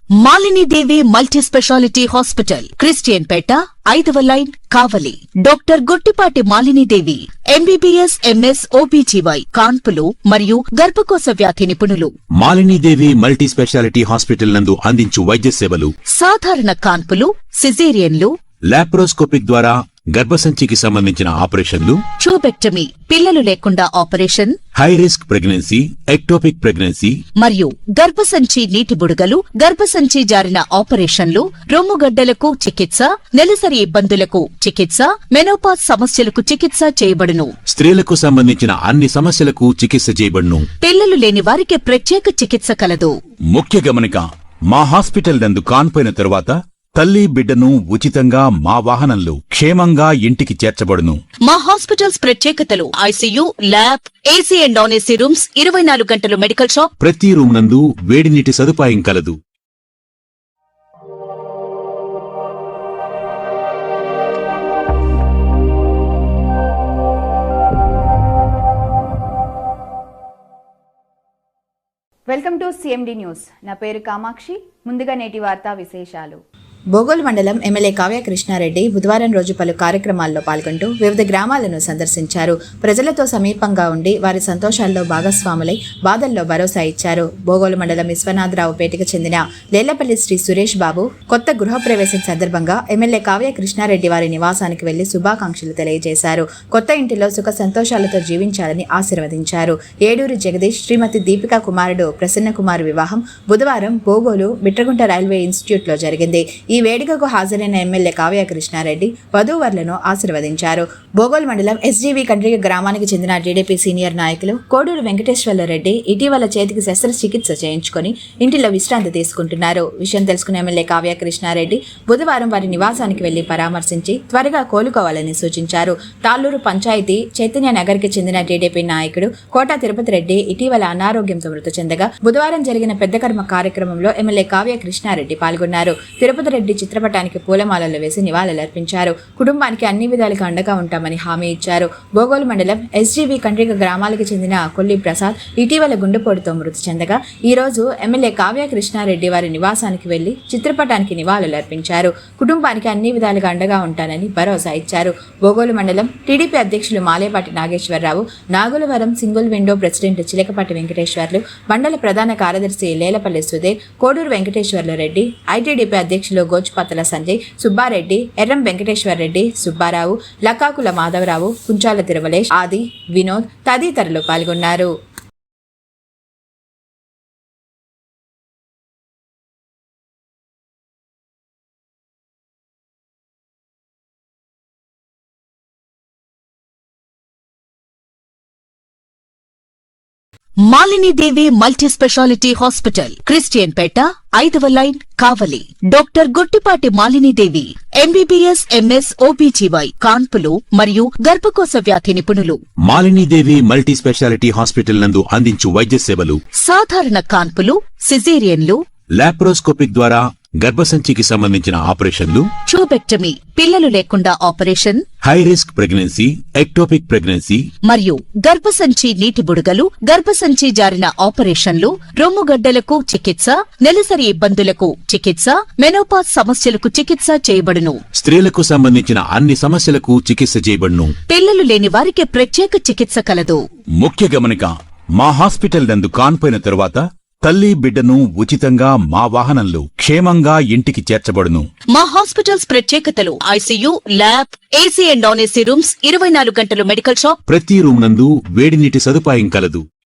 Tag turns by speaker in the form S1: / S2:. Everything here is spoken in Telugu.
S1: Malini Devi multi speciality hospital, Christian Peta, 5వ line, Kavali. Doctor Guttipati Malinidevi, MBBS, MS, OBGY, కాన్పులు మరియు గర్భకోశ వ్యాధి నిపుణులు.
S2: మాలినీదేవి మల్టీ స్పెషాలిటీ హాస్పిటల్ నందు అందించు వైద్య సేవలు:
S1: సాధారణ కాన్పులు, సిజేరియన్లు,
S2: లాప్రోస్కోపిక్ ద్వారా గర్భసంచికి సంబంధించిన ఆపరేషన్లు,
S1: ట్యూబెక్టమీ, పిల్లలు లేకుండా operation,
S2: high risk pregnancy, ectopic pregnancy
S1: మరియు గర్భసంచి నీటి బుడగలు, గర్భసంచి జారిన ఆపరేషన్లు, రొమ్ముగడ్డలకు చికిత్స, నెలసరి ఇబ్బందులకు చికిత్స, మెనోపాజ్ సమస్యలకు చికిత్స చేయబడును.
S2: స్త్రీలకు సంబంధించిన అన్ని సమస్యలకు చికిత్స చేయబడును.
S1: పిల్లలు లేని వారికి ప్రత్యేక చికిత్స కలదు.
S2: ముఖ్య గమనిక: మా హాస్పిటల్ నందు కాన్పోయిన తరువాత తల్లి బిడ్డను ఉచితంగా మా వాహనంలో క్షేమంగా ఇంటికి చేర్చబడును.
S1: మా హాస్పిటల్స్ ప్రత్యేకతలు: ICU, lab, AC and non AC rooms, 24 గంటలు మెడికల్ షాప్,
S2: ప్రతి రూమ్ నందు వేడి నీటి సదుపాయం కలదు.
S3: Welcome to CMD news. నా పేరు కామాక్షి. ముందుగా నేటి వార్తా విశేషాలు.
S4: బోగోలు మండలం ఎమ్మెల్యే కావ్య కృష్ణారెడ్డి బుధవారం రోజు పలు కార్యక్రమాల్లో పాల్గొంటూ వివిధ గ్రామాలను సందర్శించారు. ప్రజలతో సమీపంగా ఉండి వారి సంతోషాల్లో భాగస్వాములై బాధల్లో భరోసా ఇచ్చారు. బోగోలు మండలం విశ్వనాథరావుపేటకు చెందిన లేళ్లపల్లి శ్రీ సురేష్ బాబు కొత్త గృహప్రవేశం సందర్భంగా ఎమ్మెల్యే కావ్య కృష్ణారెడ్డి వారి నివాసానికి వెళ్లి శుభాకాంక్షలు తెలియజేశారు. కొత్త ఇంటిలో సుఖ సంతోషాలతో జీవించాలని ఆశీర్వదించారు. ఏడూరు జగదీష్, శ్రీమతి దీపికా కుమారుడు ప్రసన్న కుమార్ వివాహం బుధవారం బోగోలు బిట్రగుంట రైల్వే ఇన్స్టిట్యూట్ లో జరిగింది. ఈ వేడుకకు హాజరైన ఎమ్మెల్యే కావ్య కృష్ణారెడ్డి వధూవరులను ఆశీర్వదించారు. బోగోల్ మండలం ఎస్జీవి కండ్రిగ గ్రామానికి చెందిన టీడీపీ సీనియర్ నాయకులు కోడూరు వెంకటేశ్వర్లరెడ్డి ఇటీవల చేతికి శస్త్రచికిత్స చేయించుకుని ఇంటిలో విశ్రాంతి తీసుకుంటున్నారు. విషయం తెలుసుకున్న ఎమ్మెల్యే కావ్య కృష్ణారెడ్డి బుధవారం వారి నివాసానికి వెళ్లి పరామర్శించి త్వరగా కోలుకోవాలని సూచించారు. తాళ్లూరు పంచాయతీ చైతన్య నగర్ కి చెందిన టీడీపీ నాయకుడు కోట తిరుపతి రెడ్డి ఇటీవల అనారోగ్యంతో మృతి చెందగా బుధవారం జరిగిన పెద్ద కర్మ కార్యక్రమంలో ఎమ్మెల్యే కావ్య కృష్ణారెడ్డి పాల్గొన్నారు. తిరుపతి రెడ్డి చిత్రపటానికి పూలమాలలు వేసి నివాళులర్పించారు. కుటుంబానికి అన్ని విధాలుగా అండగా ఉంటామని హామీ ఇచ్చారు. బోగోలు మండలం ఎస్జీవి కండ్రిగ గ్రామాలకు చెందిన కొల్లి ప్రసాద్ ఇటీవల గుండెపోటుతో మృతి చెందగా ఈ రోజు ఎమ్మెల్యే కావ్య కృష్ణారెడ్డి వారి నివాసానికి వెళ్లి చిత్రపటానికి నివాళులర్పించారు. కుటుంబానికి అన్ని విధాలుగా అండగా ఉంటానని భరోసా ఇచ్చారు. బోగోలు మండలం టీడీపీ అధ్యక్షులు Malepati Nageswararao, Nagulavaram single window president Chilakapati Venkateswarlu, మండల ప్రధాన కార్యదర్శి లేలపల్లి సుధీర్, కోడూరు వెంకటేశ్వర్లరెడ్డి, ఐటీడీపీ అధ్యక్షులు గోచుపత్తల సంజయ్, సుబ్బారెడ్డి, ఎర్రం వెంకటేశ్వర్రెడ్డి, సుబ్బారావు, లక్కాకుల మాధవరావు, కుంచాల తిరుమలేష్, ఆది, వినోద్ తదితరులు పాల్గొన్నారు.
S1: Malini Devi multi speciality hospital, Christian Peta, 5వ line, Kavali. Doctor Guttipati Malinidevi, MBBS, MS, OBGY, కాన్పులు మరియు గర్భకోశ వ్యాధి నిపుణులు.
S2: మాలినీదేవి మల్టీ స్పెషాలిటీ హాస్పిటల్ నందు అందించు వైద్య సేవలు:
S1: సాధారణ కాన్పులు, సిజేరియన్లు,
S2: లాప్రోస్కోపిక్ ద్వారా గర్భసంచికి సంబంధించిన ఆపరేషన్లు,
S1: ట్యూబెక్టమీ, పిల్లలు లేకుండా operation,
S2: high risk pregnancy, ectopic pregnancy
S1: మరియు గర్భసంచి నీటి బుడగలు, గర్భసంచి జారిన ఆపరేషన్లు, రొమ్ముగడ్డలకు చికిత్స, నెలసరి ఇబ్బందులకు చికిత్స, మెనోపాజ్ సమస్యలకు చికిత్స చేయబడును.
S2: స్త్రీలకు సంబంధించిన అన్ని సమస్యలకు చికిత్స చేయబడును.
S1: పిల్లలు లేని వారికి ప్రత్యేక చికిత్స కలదు.
S2: ముఖ్య గమనిక: మా హాస్పిటల్ నందు కాన్పోయిన తరువాత తల్లి బిడ్డను ఉచితంగా మా వాహనంలో క్షేమంగా ఇంటికి చేర్చబడును.
S1: మా హాస్పిటల్స్ ప్రత్యేకతలు: ICU, lab, AC and non AC rooms, 24 గంటలు మెడికల్ షాప్,
S2: ప్రతి రూమ్ నందు వేడి నీటి సదుపాయం కలదు.